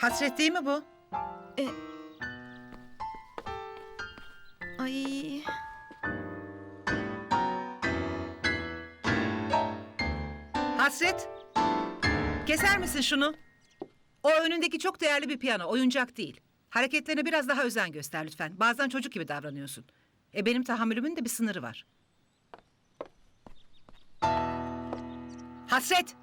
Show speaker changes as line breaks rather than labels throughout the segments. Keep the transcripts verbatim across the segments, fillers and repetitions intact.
Hasret değil mi bu?
E... Ay.
Hasret. Keser misin şunu? O önündeki çok değerli bir piyano, oyuncak değil. Hareketlerine biraz daha özen göster lütfen. Bazen çocuk gibi davranıyorsun. E benim tahammülümün de bir sınırı var. Hasret.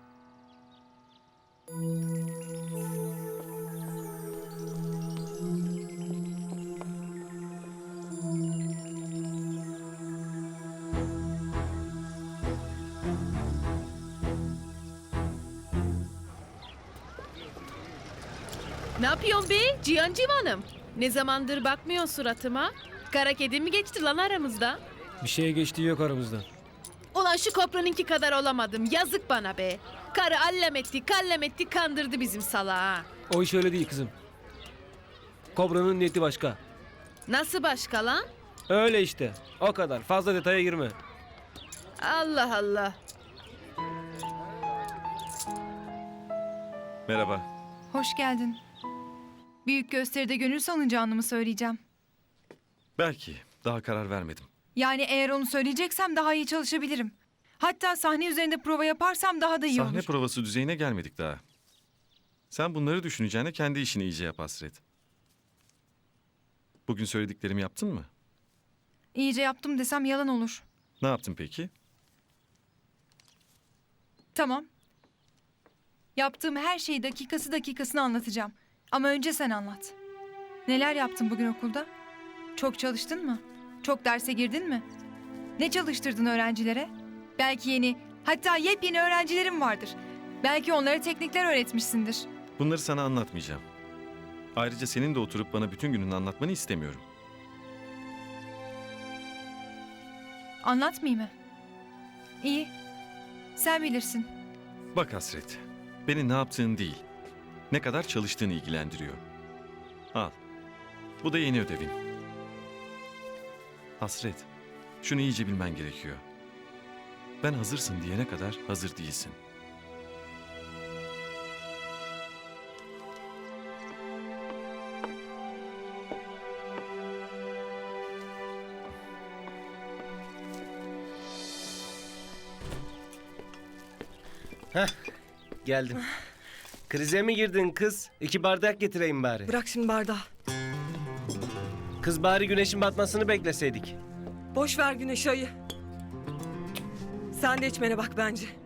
Ne yapıyorsun be Cihan Civan'ım? Ne zamandır bakmıyor suratıma? Kara kedi mi geçti lan aramızda?
Bir şeye geçtiği yok aramızda.
Ulan şu kopranınki kadar olamadım. Yazık bana be. Karı allem etti, kallem etti, kandırdı bizim salağı. ha.
O iş öyle değil kızım. Kobra'nın niyeti başka.
Nasıl başka lan?
Öyle işte. O kadar. Fazla detaya girme.
Allah Allah.
Merhaba.
Hoş geldin. Büyük gösteride gönül salınacağını mı söyleyeceğim?
Belki. Daha karar vermedim.
Yani eğer onu söyleyeceksem daha iyi çalışabilirim. Hatta sahne üzerinde prova yaparsam daha da iyi
Sahne
olur.
provası düzeyine gelmedik daha. Sen bunları düşüneceğine kendi işini iyice yap Hasret. Bugün söylediklerimi yaptın mı?
İyice yaptım desem yalan olur.
Ne yaptın peki?
Tamam. Yaptığım her şeyi dakikası dakikasına anlatacağım. Ama önce sen anlat. Neler yaptın bugün okulda? Çok çalıştın mı? Çok derse girdin mi? Ne çalıştırdın öğrencilere? Belki yeni, hatta yepyeni öğrencilerim vardır. Belki onlara teknikler öğretmişsindir.
Bunları sana anlatmayacağım. Ayrıca senin de oturup bana bütün gününü anlatmanı istemiyorum.
Anlatmayayım mı? İyi. Sen bilirsin.
Bak Hasret, beni ne yaptığın değil, ne kadar çalıştığını ilgilendiriyor. Al, bu da yeni ödevin. Hasret, şunu iyice bilmen gerekiyor. Ben hazırsın diyene kadar hazır değilsin.
Geldim. Krize mi girdin kız? İki bardak getireyim bari.
Bırak şimdi bardağı.
Kız bari güneşin batmasını bekleseydik.
Boş ver güneş ayı. Sen de içmene bak bence.